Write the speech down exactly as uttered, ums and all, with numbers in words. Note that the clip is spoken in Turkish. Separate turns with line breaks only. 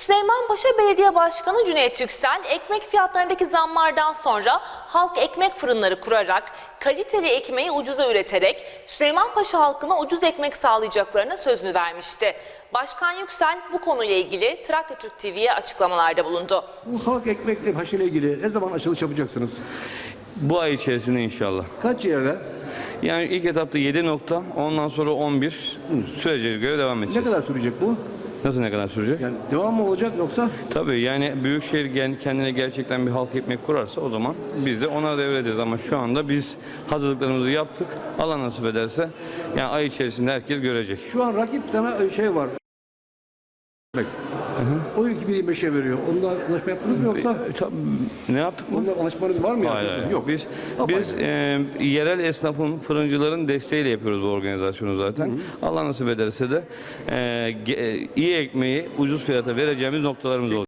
Süleymanpaşa Belediye Başkanı Cüneyt Yüksel, ekmek fiyatlarındaki zamlardan sonra halk ekmek fırınları kurarak, kaliteli ekmeği ucuza üreterek Süleymanpaşa halkına ucuz ekmek sağlayacaklarına sözünü vermişti. Başkan Yüksel bu konuyla ilgili Trakya Türk T V'ye açıklamalarda bulundu.
Bu halk ekmekle haşıyla ilgili ne zaman açılış yapacaksınız?
Bu ay içerisinde inşallah.
Kaç yerde?
Yani ilk etapta yedi nokta, ondan sonra on bir sürece göre devam
Ne
edeceğiz.
kadar sürecek bu?
Nasıl ne kadar sürecek?
Yani devam mı olacak yoksa?
Tabii yani Büyükşehir kendine gerçekten bir halk ekmek kurarsa o zaman biz de ona devredeceğiz. Ama şu anda biz hazırlıklarımızı yaptık. Allah nasip ederse yani ay içerisinde herkes görecek.
Şu an rakip tane şey var. Hı hı. O iki bin yirmi beşe veriyor. Onunla anlaşma yaptınız mı yoksa?
E, tabii, ne yaptık mı?
Onunla anlaşmanız var mı?
Hayır,
yani?
hayır.
Yok.
Biz
Apayrı.
biz e, yerel esnafın, fırıncıların desteğiyle yapıyoruz bu organizasyonu zaten. Hı hı. Allah nasip ederse de e, ge- iyi ekmeği ucuz fiyata vereceğimiz noktalarımız olacak.